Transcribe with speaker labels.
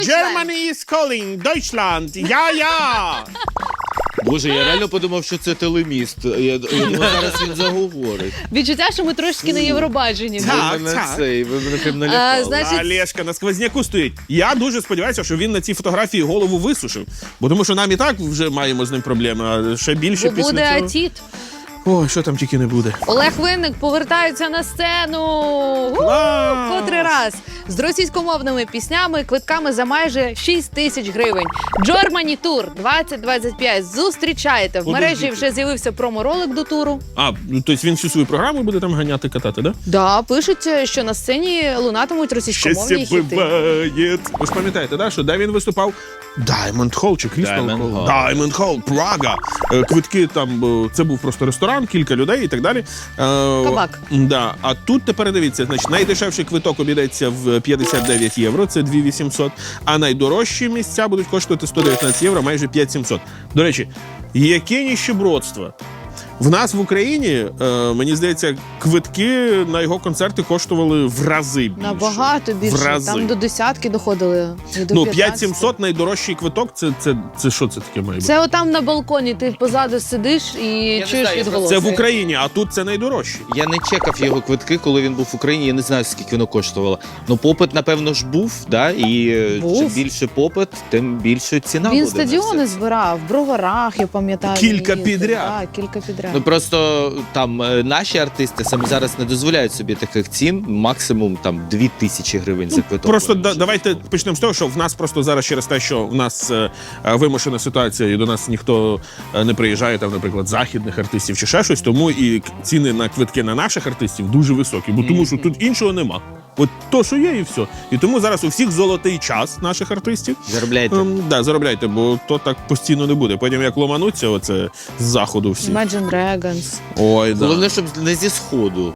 Speaker 1: Germany is calling, Deutschland, я!
Speaker 2: Боже, я реально подумав, що це телеміст. Я думаю, зараз він заговорить.
Speaker 3: Відчуття, що ми трошки на Євробаченні.
Speaker 1: Так,
Speaker 2: Ви мене
Speaker 1: так.
Speaker 2: ви мене прям налякали.
Speaker 3: Значить-
Speaker 1: Олешка на сквозняку стоїть. Я дуже сподіваюся, що він на цій фотографії голову висушив. Бо тому що нам і так вже маємо з ним проблеми, а ще більше
Speaker 3: Бо
Speaker 1: після
Speaker 3: буде
Speaker 1: цього.
Speaker 3: атіт.
Speaker 1: Ой, що там тільки не буде.
Speaker 3: Олег Винник повертається на сцену.
Speaker 1: Клас!
Speaker 3: Котрий раз. З російськомовними піснями, квитками за майже 6 тисяч гривень. Germany Tour 2025. Зустрічайте. В мережі вже з'явився промо-ролик до туру.
Speaker 1: А, ну тобто він всю свою програму буде там ганяти, катати, да?
Speaker 3: Да, пишуть, що на сцені лунатимуть російськомовні хіти.
Speaker 1: буває. Ви ж пам'ятаєте, да, що де він виступав? Diamond Hall чи Crystal
Speaker 2: Diamond
Speaker 1: Hall?
Speaker 2: Hall.
Speaker 1: Diamond Hall, Прага. Квитки там, це був просто ресторан, кілька людей і так далі.
Speaker 3: Кабак.
Speaker 1: Да. А тут тепер дивіться, значить, найдешевший квиток обійдеться в 59 євро, це 2800, а найдорожчі місця будуть коштувати 119 євро, майже 5700. До речі, яке ніщебродство. В нас в Україні, мені здається, квитки на його концерти коштували в рази більше.
Speaker 3: Набагато більше.
Speaker 1: В рази.
Speaker 3: Там до десятки доходили. І до
Speaker 1: Ну,
Speaker 3: 15.
Speaker 1: 5700 найдорожчий квиток, це що це таке має бути?
Speaker 3: Це отам на балконі, ти позаду сидиш і
Speaker 2: не
Speaker 3: чуєш
Speaker 2: знаю,
Speaker 3: відголоси.
Speaker 1: Це в Україні, а тут це найдорожчий.
Speaker 2: Я не чекав його квитки, коли він був в Україні. Я не знаю, скільки воно коштувало. Ну, попит, напевно ж, був, да? І
Speaker 3: Був.
Speaker 2: чим більше попит, тим більше ціна
Speaker 3: Він
Speaker 2: буде. на
Speaker 3: стадіони
Speaker 2: все.
Speaker 3: збирав, в Броварах, я пам'ятаю.
Speaker 1: Кілька
Speaker 3: він їздив.
Speaker 1: підряд.
Speaker 3: Так, кілька підряд.
Speaker 2: Ну просто там наші артисти саме зараз не дозволяють собі таких цін, максимум там 2000 гривень за квиток.
Speaker 1: Просто давайте почнемо з того, що в нас просто зараз через те, що в нас вимушена ситуація і до нас ніхто не приїжджає, там, наприклад, західних артистів чи ще щось, тому і ціни на квитки на наших артистів дуже високі, бо тому що тут іншого нема. От то, що є, і все. І тому зараз у всіх золотий час наших артистів.
Speaker 2: Заробляйте.
Speaker 1: Да, заробляйте, бо то так постійно не буде. Потім як ломануться оце з заходу всі.
Speaker 3: Imagine Dragons.
Speaker 1: Ой, да.
Speaker 2: Головне, щоб не зі сходу.